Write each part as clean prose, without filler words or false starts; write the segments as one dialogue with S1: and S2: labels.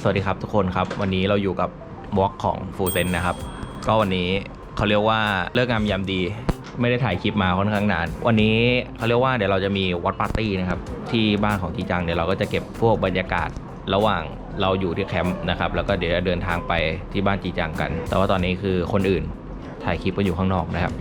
S1: สวัสดีครับทุกคนครับวันนี้เราอยู่กับบล็อกของฟูเซนนะครับก็วันนี้เขาเรียกว่าเลิกงามยามดีไม่ได้ถ่ายคลิปมาค่อนข้างนานวันนี้เขาเรียกว่าเดี๋ยวเราจะมีวอตปาร์ตี้นะครับที่บ้านของจีจังเดี๋ยวเราก็จะเก็บพวกบรรยากาศระหว่างเราอยู่ที่แคมป์นะครับแล้วก็เดี๋ยวจะเดินทางไปที่บ้านจีจังกันแต่ว่าตอนนี้คือคนอื่นถ่ายคลิปกันอยู่ข้างนอกนะครับ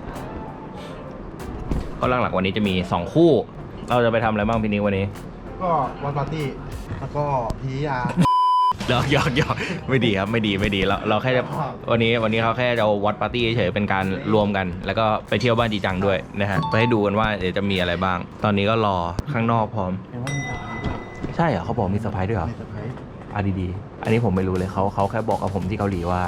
S1: ก็หลักๆวันนี้จะมี2คู่เราจะไปทำอะไรบ้างพี่นิ้งวันนี้
S2: ก็วันปาร์ตี้แล้วก็พียา
S1: หยอกไม่ดีครับไม่ดีเราแค่จะวันนี้เขาแค่จะวัดปาร์ตี้เฉยๆเป็นการรวมกันแล้วก็ไปเที่ยวบ้านจีจังด้วยนะฮะไปให้ดูกันว่าเดี๋ยวจะมีอะไรบ้าง ตอนนี้ก็รอข้างนอกพร้อมใช่เหรอเขาบอกมีเซอร์ไพรส์ด้วยเหรอดีๆอันนี้ผมไม่รู้เลยเขาแค่บอกกับผมที่เกาหลีว่า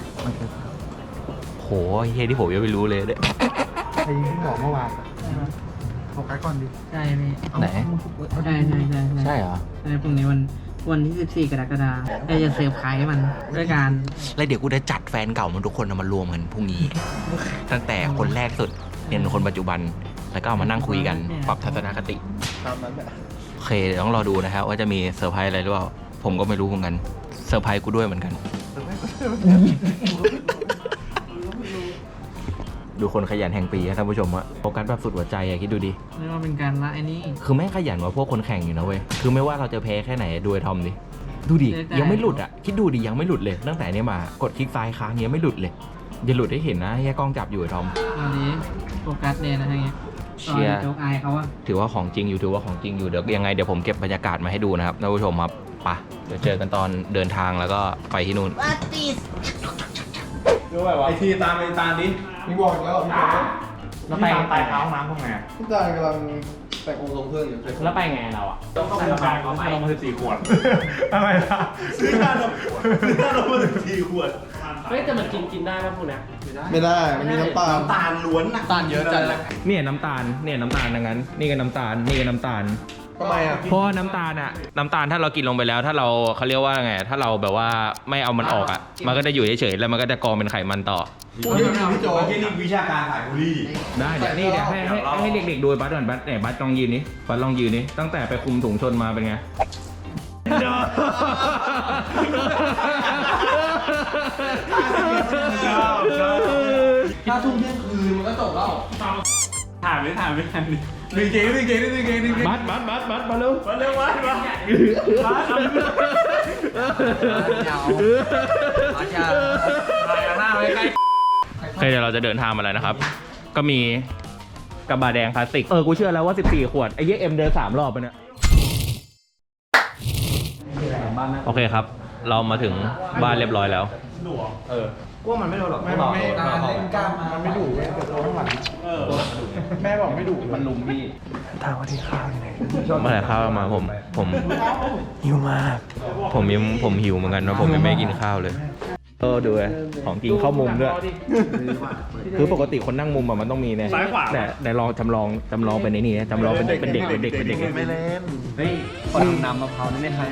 S1: โหเฮียที่ผมยังไม่รู้เลยเนี่ย
S2: ไอ้ที่บอกเมื่อวานโฟกัสก่อนดิ
S3: ใช่พี่
S1: ไหน
S3: ใช่
S1: เหรอ
S3: ใช่พรุ่งนี้วันที่14 กรกฎาคมจะเซอร์ไพรส์มันด้วยการ
S1: แล้วเดี๋ยวกูจะจัดแฟนเก่ามันทุกคนมารวมกันพรุ่งนี้ ตั้งแต่คนแรกสุดเป็นคนปัจจุบันแล้วก็เอามานั่งคุยกันปรับทัศนคติ
S2: ตามนั้นแหละ
S1: โอเคเดี๋ยวต้องรอดูนะครับว่าจะมีเซอร์ไพรส์อะไรหรือเปล่าผมก็ไม่รู้เหมือนกันเซอร์ไพรส์กูด้วยเหมือนกันดูคนขยันแห่งปีท่านผู้ชมอะโฟกัสแบบสุดหัวใจอะคิดดูดิ
S3: เรียกว่าเป็นการละไอ้นี่
S1: คือแม่งขยันกว่าพวกคนแข่งอยู่นะเว้ยคือไม่ว่าเราจะแพ้แค่ไหนดูไอ้ทอมดิดูดิยังไม่หลุดอะคิดดูดิยังไม่หลุดเลยตั้งแต่นี้มากดคลิกซ้ายค้างยังไม่หลุดเลยอย่าหลุดให้เห็นนะแค่กล้องจับอยู่ไอ้ทอม
S3: วันนี้โฟกัสเนี่ยนะฮะ
S1: เชียร์
S3: โจ๊กอายเขาว่า
S1: ถือว่าของจริงอยู่เดี๋ยวยังไงเดี๋ยวผมเก็บบรรยากาศมาให้ดูนะครับท่านผู้ชมครับไปเดี๋ยวเจอกันตอนเดินทางแล้วก็ไปที่นู่น
S2: ดูแบบว่าไอทีตามดิมีบอกแล้วมีบอก
S4: แล้วไปไต่เท้าน้ำพวกไง
S2: พี่ตากำลังแต่งองค์ทรงเครื่องอยู่
S4: แล้วไปไงเราอ่ะต้องใส่ระบายเขาไปลงมา14 ขวดอะไรล่ะ
S2: ซื้อขนมมา14 ขวด
S4: เฮ้ยแต่มันกินได้ป่ะพวกนี้
S2: ไม่ได้มันมีน้ำตาลล้วน
S4: น้ำตาลเยอะจังเลย
S1: เนี่ยน้ำตาลดังนั้นนี่ก็น้ำตาลนี่ก็น้ำตาล
S2: ทำไมอ่ะ
S1: เพราะน้ำตาลถ้าเรากินลงไปแล้วถ้าเราเขาเรียกว่าไงถ้าเราแบบว่าไม่เอามันออกอ่ะมันก็จะอยู่เฉยๆแล้วมันก็จะกองเป็นไขมันต่อ
S2: พี่โจที่นี่วิชาการขายบุหรี่
S1: ได้เดี๋ยวนี่เดี๋ยวให้เด็กๆดูบัสก่อนบัสเนี่ยบัสลองยืนนี่บัสลองยืนนี่ตั้งแต่ไปคุมถุงชนมาเป็นไง
S2: ถ้าทุ่มเที่ยงคืนมันก็จบแล้ว
S4: ถามไม่ทัน
S2: ดึงเก่ง
S1: บัสมาเร็วเดี๋ยวเราจะเดินทางมาแล้วนะครับก็มีกระบะแดงพลาสติกกูเชื่อแล้วว่า14 ขวดไอ้เยี่ยเอ็มเดิน3 รอบไปเนี่ยโอเคครับเรามาถึงบ้านเรียบร้อยแล้ว
S2: ว่ามันไม่โดนหรอกไม่เล่นกล้ามมันไม่ดุเว้ยแต่ตัวข้างหลังแม่บอกไม่ดุมันลุมพี่
S1: ถามว่าที่ข้าวยังไงมาแต่ข้าวมาผมหิวมากผมหิวเหมือนกันนะผมยังไม่กินข้าวเลยดูเลยของจริงเข้ามุมด้วยคือปกติคนนั่งมุมมันต้องมีเนี่ยแต่ลองจำลองเป็นนี่จำลองเป็นเด็กไม่เ
S2: ล่น
S4: เฮ้ยคนน้ำมะพร้าวนี่ไม่ใคร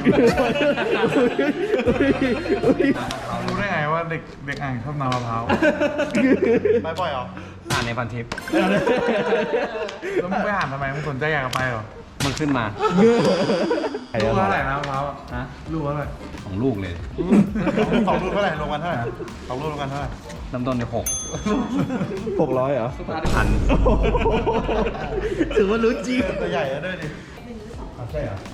S2: รู้ได้ไงว่าเด็กอ่างชอบน้ำมะพร้าวไปบ่อยเหรอ
S4: อ่านในพันทิป
S2: แล้วมึงไปอ่านทำไมมึงสนใจอยากไปเหรอ
S4: มันขึ้นมา
S2: ลูกเท่าไหร่นะมะพร้าวฮะลูกเท่าไหร่
S4: 2 ลูกเลย
S2: 2 ลูกเท่าไหร่รวมกันเท่าไหร่2 ลูกรวมกันเท่าไหร่
S4: น้ำต้นเนี่ย
S1: 600เหรอ1,000ถือว่ารู้จริง
S2: ตัวใหญ่แล้วด้วยดิใช่เหรอ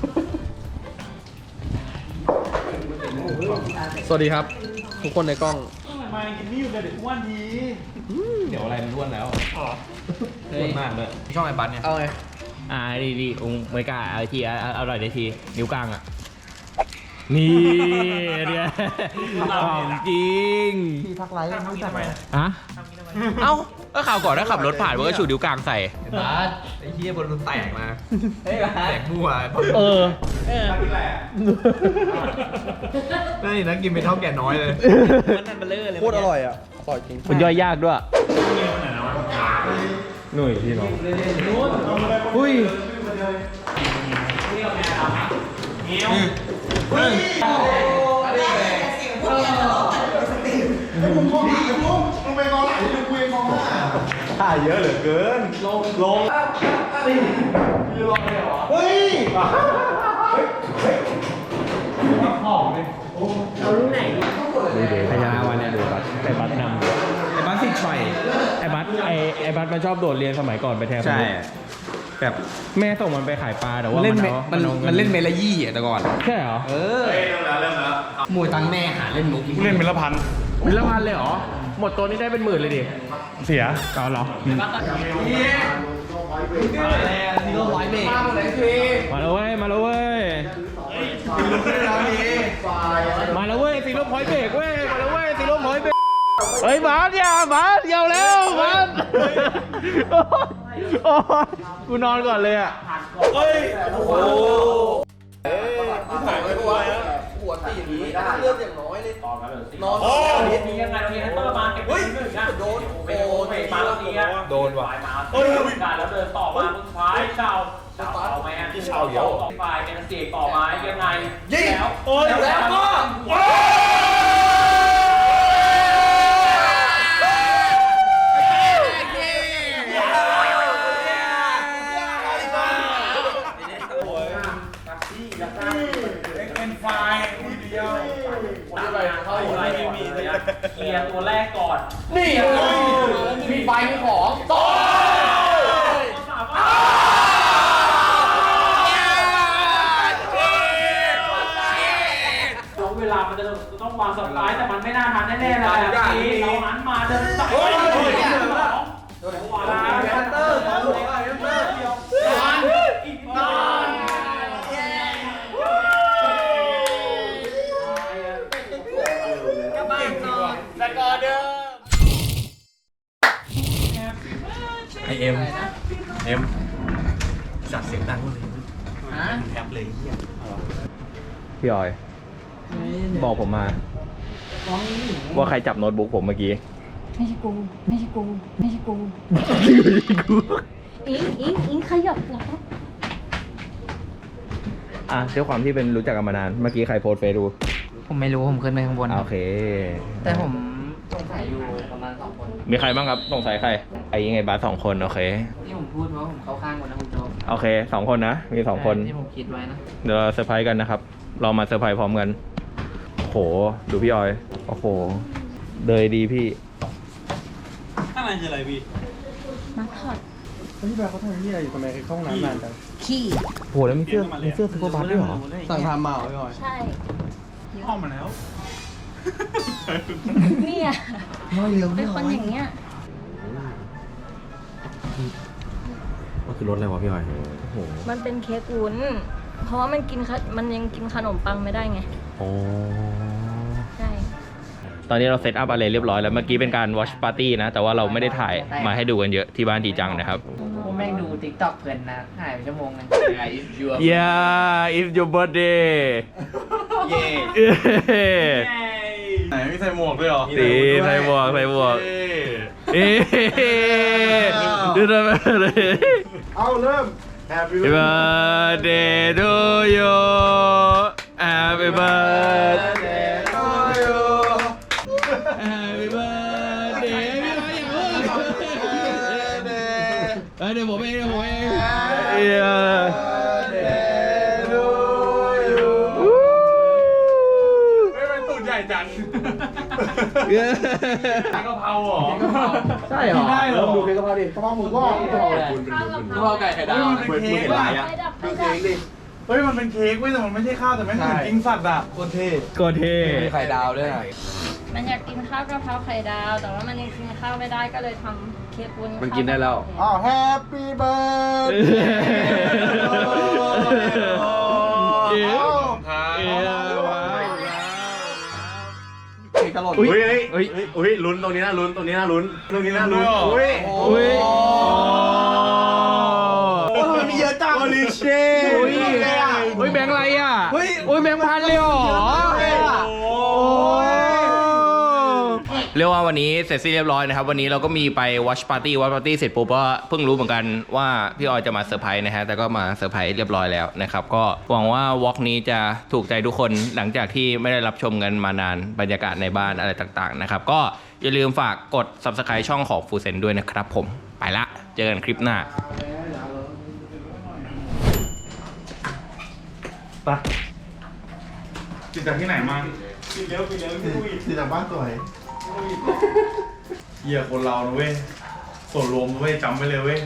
S5: สวัสดีครับทุกคนในกล้อง
S2: มากินนี่อยู่กับเด็กอ้วนที
S1: เดี๋ยวอะไรมันอ้วนแล้วอ้วนมากเลย
S4: ช่องไอ้บัสเนี่ย
S5: เอาไง
S1: ดีไม่กล้าเอาทีเอาหน่อยได้ทีนิ้วกลางอ่ะนี่เนี่ยของจริง
S2: พี่พักไลฟ์ไม่ทำไม
S1: ฮะเอ้าก็ข่าวก่อนถ้าขับรถผ่านมันก็ชูนิ้วกลางใส่
S4: บัสไอ้เหี้ยบนรถแตกมาแตกมั่ว
S2: กินอะไร
S4: นี่นะกินเป็นเท่าแก่น้อยเลย
S5: โคตรอร่อยอ่ะอร่อยจริง
S1: มันย่อยยากด้วยหนุ่ยพี่น้องอุ้ย
S2: ถ่ายเยอะเหลือเกินลงยืนรอเลยเหรอเฮ้ย
S1: ดูเดี๋ยวพยาวันเนี่ยดูบัตไอ้บัตนำไอ้บัตสิชัยไอ้บัตมันชอบโดดเรียนสมัยก่อนไปแทน
S5: ใช่
S1: แบบแม่ส่งมันไปขายปลาแต่ว่า
S5: เล่น
S1: มัน
S5: เล่นเมลยี่อ่ะแต่ก่อน
S1: ใช่เหรอ
S3: หมูตังแม่หาเล่นมุก
S4: เล่นเป็นละพัน
S1: มิลพันเลยเหรอหมดตัวนี้ได้เป็นหมื่นเลยดิ
S4: เสีย
S1: เอาเหรอ
S3: ซีโร่ร้อยเบรก
S1: มาแล้วเว้ยมาแล้วเว้ยมาแล้วเว้ยซีโร่พอยต์เบรกเว้ยมาแล้วเว้ยซีโร่พอยต์เบรกเฮ้ยบาสอย่าบาสเยาแล้วบาสโอ้ยกูนอนก่อนเลยอ่ะ
S4: มียังไงเรามีฮันเตอร์มาเก็บที่หนึ่งอ่ะโดนมาแล้วนี้อ่ะโดนว่ะการแล้วเดินต่อมาสุดท้ายเชาเอาไหมฮะเชาเยอะฝ่ายเป็นเสียต่อมายังไงแล้วแล้วก็เคลียร์ตัวแรกก่อนนี่มีไฟมีของต่อเวลามันจะต้องวางสไลด์แต่มันไม่น่าทันแน่ๆเลยเราหันมาเดินใส่วางแฮนเตอร์อีกนาน
S1: ไอเอ็มจัดเสียงดังเลยแทบเลยพี่ออยบอกผมมาว่าใครจับโน้ตบุ๊กผมเมื่อกี้
S6: ไม่ใช่กูไม่ใช่กูไม่ใช่กูอิงขยับเหรอ
S1: อ่ะด้วยความที่เป็นรู้จักกันมานานเมื่อกี้ใครโพสเฟซดู
S3: ผมไม่รู้ผมขึ้นไปข้างบน
S1: โอเค
S3: แต่ผมสงสัยอยู่ประมาณ2 คน
S1: มีใครบ้างครับสงสัยใครไอ้ยังไงบาส2 คนโอเค
S3: ที่ผมพูดเพราะผมเข้าข้างคนนะคุณโจ๊ก
S1: โอเค2 คนนะมี2 คน
S3: ที่ผมคิดไว้นะ
S1: เดี๋ยวเราเซอร์ไพรส์กันนะครับ เรามาเซอร์ไพรส์พร้อมกันโหดูพี่ออยโอ้โหเดยดีพี่
S4: ข้างในคืออะไรพี่
S6: มาถอด
S2: พี่แบบเขาทำที่อะไรอยู่ทำไมเข้าห้องน้ำนานจัง
S6: ขี้
S1: โหแล้วมีเสื้อซุปเปอร์บัสด้วยเหรอ
S2: สั่งทำมาเหรอพี่ออย
S6: ใช่
S4: ห้องมาแล้ว
S6: เนี่ยเป็นคนอย่างเงี้ย
S1: มันคือรถอะไรวะพี่ออยโอ้โห
S6: มันเป็นเค้กวุ้นเพราะว่ามันยังกินขนมปังไม่ได้ไง
S1: โอ้
S6: ใช่
S1: ตอนนี้เราเซตอัพอะไรเรียบร้อยแล้วเมื่อกี้เป็นการ watch party นะ แต่ว่าเราไม่ได้ถ่ายมาให้ดูกันเยอะที่บ้านทีจังนะครับ
S3: ผมแม่งดู TikTok เพลินนะหายไปชั่วโมงนึง
S1: Yeah it's your birthday
S4: ไหนมีใส่หมวกด้วยเหรอ
S1: ตีใส่หมวกเอ๊ดูทำไมเลย
S2: เอาเริ่ม Happy
S1: Happy birthday to you Happy birthday to you Happy birthday พี่น้อยอย่าพูดเดี๋ยวผมเอง
S4: ตูดใหญ่จังกะเพราเหรอ
S3: ใช่เหรอ
S2: ได้เหรอดูเค้กกะเพราดิกะเพราหมูกรอบกะเพราอะไร
S6: ข้าวกะเพรา
S3: ไก่ไข่ดาว
S4: มันเป็นเค้กว่ะ
S6: ไฟดับไฟดับ
S4: เฮ้ยมันเป็นเค้กเว้ยแต่มันไม่ใช่ข้าวแต่แม่งเหมือนกินสัตว์อ่ะ
S2: โคตรเท่
S1: ก็เท่
S5: มีไข่ดาวด้วยอ่ะ
S6: มันอยากกินข้าวกะเพราไข่ดาว แต่ว่ามันยังกินข้าวไม่ได้ก็เลยทำเค้กวุ้น
S5: มันกินได้แล้ว
S2: อ้าว Happy birthday เค้กตลอด
S5: อุ้ยลุ้นตรงนี้นะลุ้นตรงนี้นะลุ้นตรงนี้นะลุ้นอุ้ย
S1: อุ้ย
S2: โอ้ทำไมมีเยอะจัง
S5: โอลิเช่
S1: อุ้ยแบงค์อะไรอ่ะอุ้ยแบงค์พันเลยเหรอเรียกว่าวันนี้เสร็จสิ้นเรียบร้อยนะครับวันนี้เราก็มีไป watch party เสร็จปุ๊บก็เพิ่งรู้เหมือนกันว่าพี่ออยจะมาเซอร์ไพรส์นะฮะแต่ก็มาเซอร์ไพรส์เรียบร้อยแล้วนะครับก็หวังว่าวอล์กนี้จะถูกใจทุกคนหลังจากที่ไม่ได้รับชมกันมานานบรรยากาศในบ้านอะไรต่างๆนะครับก็อย่าลืมฝากกด subscribe ช่องของฟูเซนด้วยนะครับผมไปละเจอกันคลิปหน้าไป
S2: ติดจากที่ไหนมา
S5: ปิดเร็วที่กูอีก
S2: ติดจากบ้านสวยเหี้ยคนเราเว้ยส่วนรวมเว้ยจำไว้เลยเว้ย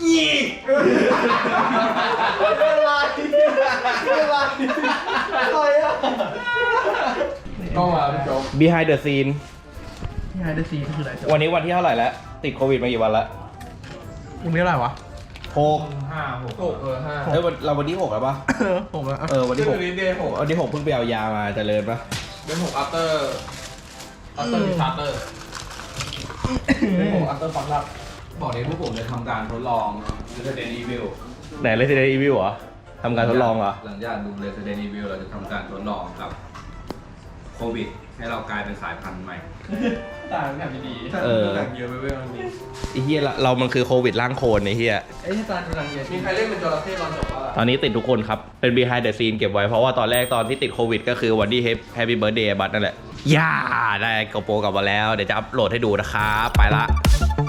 S2: ก็มาพี่โจ๊ก
S1: behind the scene
S2: ที่ไฮเดอร์ซีคืออะไร
S1: วันนี้วันที่เท่าไหร่แล้ว ติดโควิดมากี่วันแล้ว
S2: วันนี้อะไรวะ
S1: 6
S2: 5
S1: เฮ้ยเราวันที่6แล้วปะ
S2: ผมแล้ว
S1: วันที่
S2: วันนี้เดย์6
S1: 6วันที่6เพิ่งไปเอายามาเจริญปะ
S2: เดย์6 after disaster เดย์6 after ฟังลับ
S7: บอกเลยพวกผมจะทำการทดลอง Resident Evil
S1: ไหน Resident Evil เหรอทำการทดลองเหรอ
S7: หลังจากดู Resident Evil เราจะทำการทดลองกับโควิด ให้เรากลายเป็นสายพันธุ์ใหม่
S2: ต่างกันดี
S1: เออ
S2: ต่างเยอะไปเว้ยมันมี
S1: ไอ้เฮียเรามันคือโควิดร่างโคลนไอ้เฮีย
S2: ไอ้ที่ต่างเยอะมีใครเล่นเป็นจระเข้ตอนจบป่ะ
S1: ตอนนี้ติดทุกคนครับ เป็น behind the scene เก็บไว้ เพราะว่าตอนแรกตอนที่ติดโควิดก็คือวันที่ Happy Birthday บัตนั่นแหละ ย่า ได้กระโปรงกลับมาแล้ว เดี๋ยวจะอัปโหลดให้ดูนะครับ ไปละ